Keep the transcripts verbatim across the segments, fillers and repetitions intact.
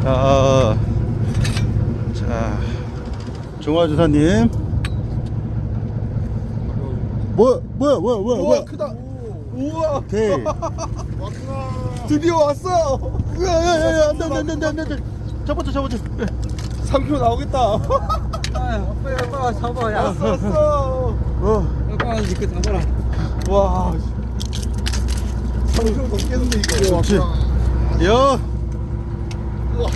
자, 자, 종화주사님. 뭐야, 뭐야, 뭐야, 뭐야, 뭐야. 크다. 우와. 오케이. 왔구나. 드디어 왔어. 야, 야, 야, 야, 안 돼, 안 돼, 안 돼, 안 돼, 안 돼. 잡았죠, 잡았죠. 삼 킬로그램 나오겠다. 아빠 아빠 잡아 야. 왔어, 왔어. 어, 아빠 이렇게 잡아라. 와. 삼 킬로그램 넘겠는데, 이거. 좋지. 야, 우와.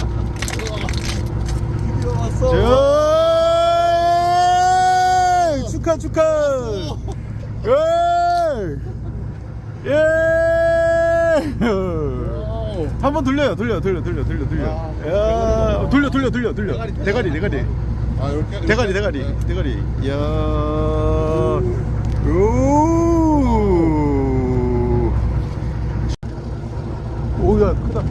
드디어 왔어. 자, 축하, 축하. 예, 예. 한번 돌려요, 돌려, 돌려, 돌려, 돌려, 돌려. 야, 돌려, 돌려, 돌려, 돌려. 대가리, 대가리. 아, 이렇게 대가리, 대가리, 대가리. 야, 오. 오야, 크다.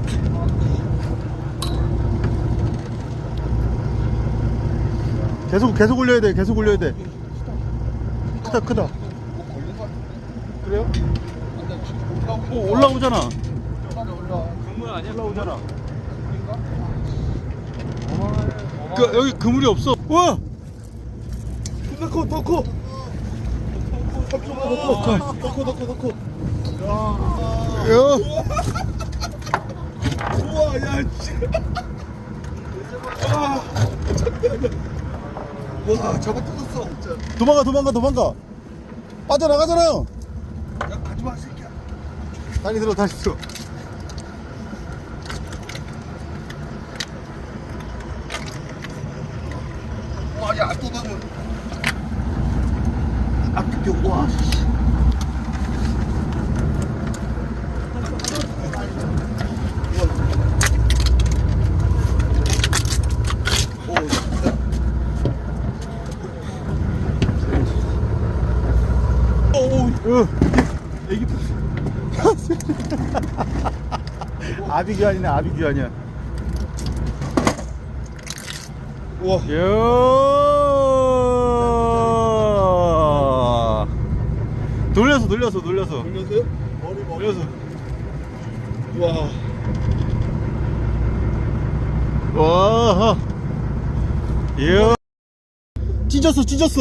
계속, 계속 올려야 돼, 계속 올려야 돼. 크다, 크다. 그래요? 오, 올라오잖아. 국물 아니야? 올라오잖아. 그, 여기 그물이 없어. 와! 더 커, 더 커. 삼 킬로그램 더 커. 더 커, 더 커, 더 커. 야! 우와, 야, 씨. 아, 잠깐만. 와, 잡아 뜯었어, 진짜. 도망가, 도망가, 도망가. 빠져나가잖아. 야, 가지 마, 새끼야. 다시 들어, 다시 들어. 와, 야, 또 너무. 아, 뜯겨, 와, 씨. 어, 애기 아비규환이네, 아비규환이야. 우와. 야, 돌려서, 돌려서, 돌려서, 돌렸어요? 머리, 머리. 돌려서. 우와. 와, 이야, 찢었어, 찢었어.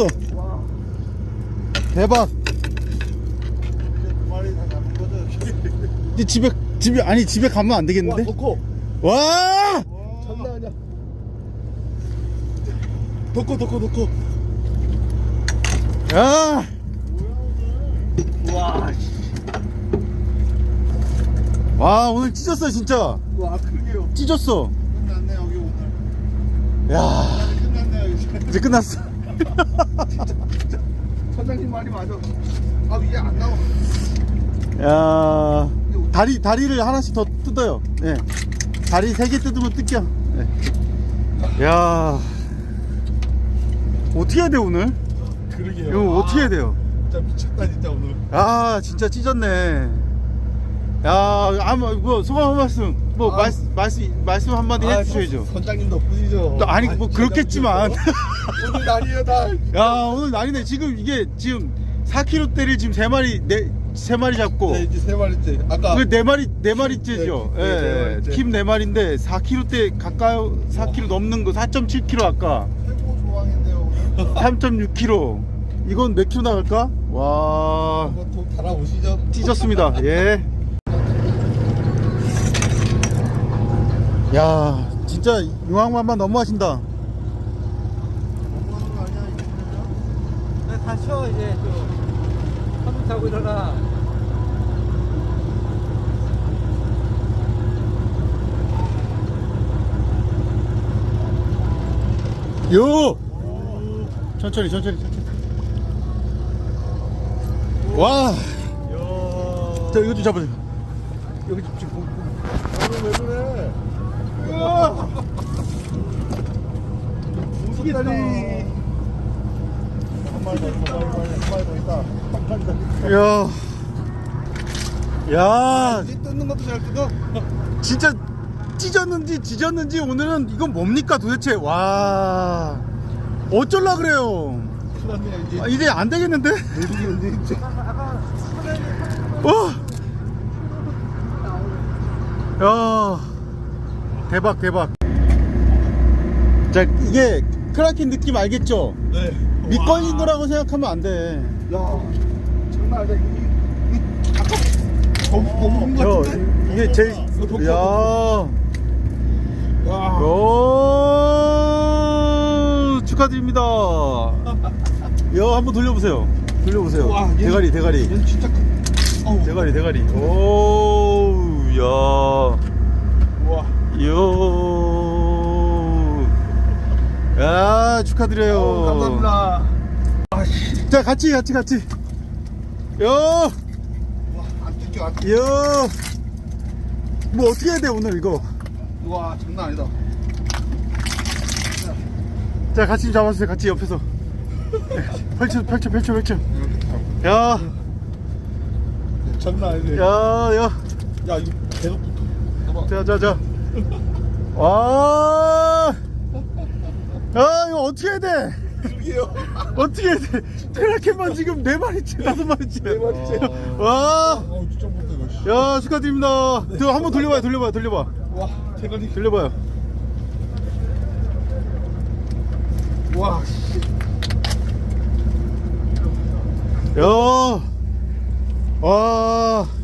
대박. 머리 다 잡은 거죠? 이 집에, 집에, 아니, 집에 가면 안 되겠는데? 와, 더 커. 와! 장난 아니야. 더 커, 더 커, 더 커. 야! 와, 씨. 와, 오늘 찢었어, 진짜. 와, 크게요. 찢었어. 끝났네, 여기 오늘. 야, 끝났네, 이제. 이제 끝났어. 선장님 말이 맞아. 아, 위에 안 나와. 야, 다리, 다리를 하나씩 더 뜯어요. 예. 다리 세 개 뜯으면 뜯겨. 예. 야, 어떻게 해야 돼, 오늘? 그러게요. 이거 어떻게 해야 돼요? 진짜 미쳤다, 진짜 오늘. 아, 진짜 찢었네. 야, 아무, 뭐, 소감 한 말씀, 뭐, 아. 말씀, 말씀, 말씀 한마디 아, 해주셔야죠. 선장님 덕분이죠. 또 아니, 뭐, 그렇겠지만. 오늘 날이에요, 날. 야, 오늘 난이네. 지금 이게, 지금 사 킬로그램대를 지금 세 마리, 네, 세 마리 잡고. 네, 이제 세 마리째. 아까. 그 네 마리, 네 마리째죠. 네, 네, 네 예, 마리째. 팀 네 마리인데 사 킬로그램대 가까이, 사 킬로그램 넘는 거, 사 점 칠 킬로그램 아까. 최고 조항인데요, 오늘. 삼 점 육 킬로그램. 이건 몇 킬로 나갈까? 와, 한번 좀 달아오시죠. 찢었습니다. 예. 야, 진짜 용왕만만 너무하신다. 너무하는 거 아니야, 이거. 나 다쳐 이제 좀 한번 타고 일어나. 요! 천천히, 천천히, 천천히. 와! 이야. 자, 이거 좀 잡아줘. 여기 좀, 지금. 오늘 왜 그래? 무슨 다리? 한 마리 더 있다, 한 마리 더 있다. 딱 간다. 야. 야, 이제 뜯는 것도 잘 뜯어. 진짜 찢었는지 지졌는지 오늘은 이건 뭡니까 도대체. 와, 어쩔라 그래요. 큰일 났네, 이제. 아, 이제 안 되겠는데? 모르겠는데, 이제. 와. 야, 대박 대박. 자 이게 크라켄 느낌 알겠죠? 네. 밑걸린 거라고 생각하면 안 돼. 야, 장난 아니다. 이거, 이거 아까 더, 더 먹은 거 저 같은데? 이게 제일 이거 더 야. 와. 오, 축하드립니다. 야 한번 돌려보세요. 돌려보세요. 와, 얘는- 대가리 대가리 얘는 진짜 큰. 어우. 대가리 대가리. 오, 야, 우와. 요. 야 축하드려요. 어우, 감사합니다. 아, 씨. 자 같이 같이 같이. 요, 와, 안 뜯겨, 안 뜯겨. 요. 뭐 어떻게 해야 돼 오늘 이거? 와, 장난 아니다. 자 같이 좀 잡아주세요. 같이 옆에서. 펼쳐 펼쳐 펼쳐 펼쳐. 야, 장난 아니네. 야, 야. 야, 이거 배가 붙어. 자, 자, 자. 와. 야, 이거 어떻게 해야 돼? 그러게요. 어떻게 해야 돼? 크라켄만 지금 네 마리째, 다섯 마리째. 네 마리째. 와. 어, 진짜 못해, 이거. 씨. 야, 축하드립니다. 저 한번 돌려봐요, 돌려봐요, 돌려봐. 와, 대가리. 돌려봐요. 와, 씨. 야. 와.